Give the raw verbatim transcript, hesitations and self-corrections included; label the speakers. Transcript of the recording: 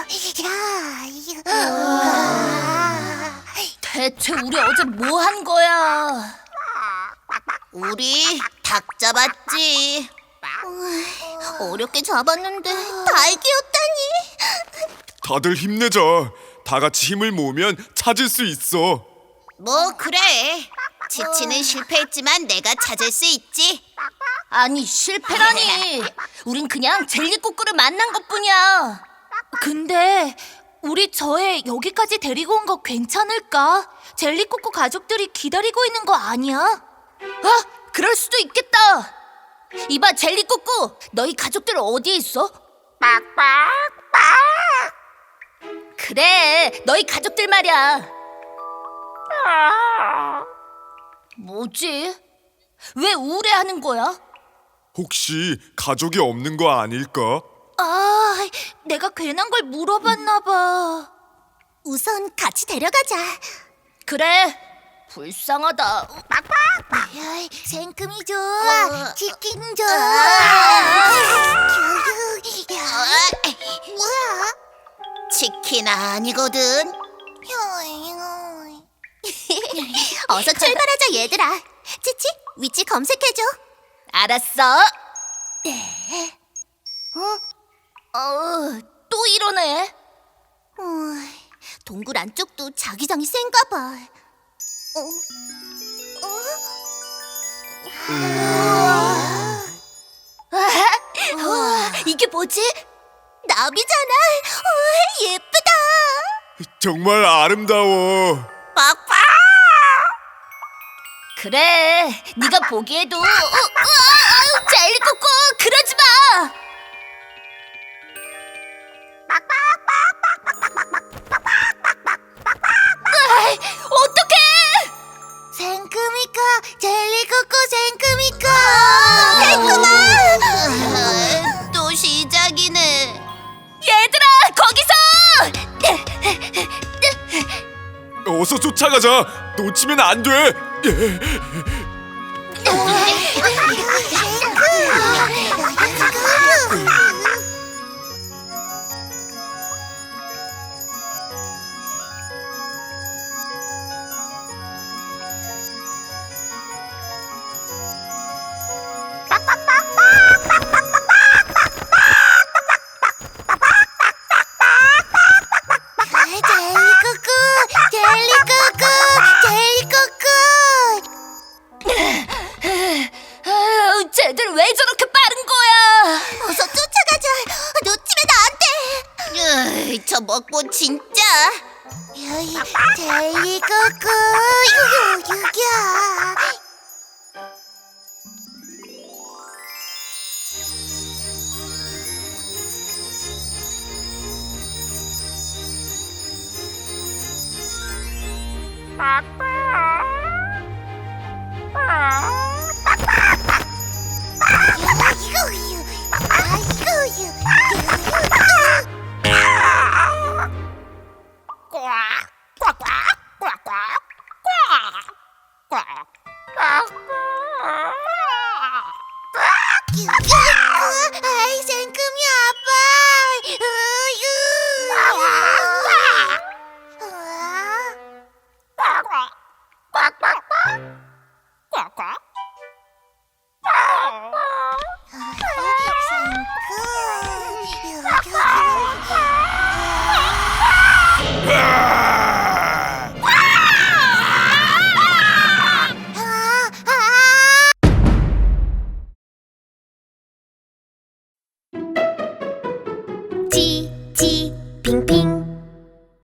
Speaker 1: 대체 우리 어제 뭐 한 거야?
Speaker 2: 우리 닭 잡았지. 어렵게 잡았는데 닭이었다니.
Speaker 3: 다들 힘내자. 다 같이 힘을 모으면 찾을 수 있어.
Speaker 2: 뭐 그래. 치치는 실패했지만 내가 찾을 수 있지.
Speaker 1: 아니 실패라니. 우린 그냥 젤리꼬꼬를 만난 것뿐이야. 근데 우리 저애 여기까지 데리고 온 거 괜찮을까? 젤리꼬꼬 가족들이 기다리고 있는 거 아니야? 아, 그럴 수도 있겠다. 이봐 젤리꼬꼬, 너희 가족들 어디에 있어? 그래, 너희 가족들 말이야. 뭐지? 왜 우울해하는 거야?
Speaker 3: 혹시 가족이 없는 거 아닐까?
Speaker 1: 아, 내가 괜한 걸 물어봤나 봐.
Speaker 2: 우선 같이 데려가자.
Speaker 1: 그래, 불쌍하다.
Speaker 2: 생금이 줘.
Speaker 1: 어.
Speaker 2: 치킨 줘.
Speaker 1: 뭐야?
Speaker 2: 치킨 아니거든. 어서 출발하자 얘들아. 치치, 위치 검색해줘.
Speaker 1: 알았어. 네. 어? 어, 또 이러네.
Speaker 2: 어, 동굴 안쪽도 자기장이 센가 봐. 어? 어?
Speaker 1: 우와, 이게 뭐지?
Speaker 2: 나비잖아. 우와, 예쁘다.
Speaker 3: 정말 아름다워.
Speaker 2: 빡빡.
Speaker 1: 그래, 네가 보기에도. 어, 어, 아유, 젤리꼬꼬, 그러지 마. 으아이, 어떡해?
Speaker 2: 생크미카, 젤리코코 생크미카. 생크마. 또 시작이네.
Speaker 1: 얘들아, 거기서!
Speaker 3: 어서 쫓아가자. 놓치면 안 돼.
Speaker 2: 젤리코코, 젤리코코, 젤리코코.
Speaker 1: 아유, 쟤들 왜 저렇게 빠른 거야?
Speaker 2: 어서 쫓아가자. 놓치면 안 돼. 으이, 저 먹보 진짜. 젤리코코, 유유유야.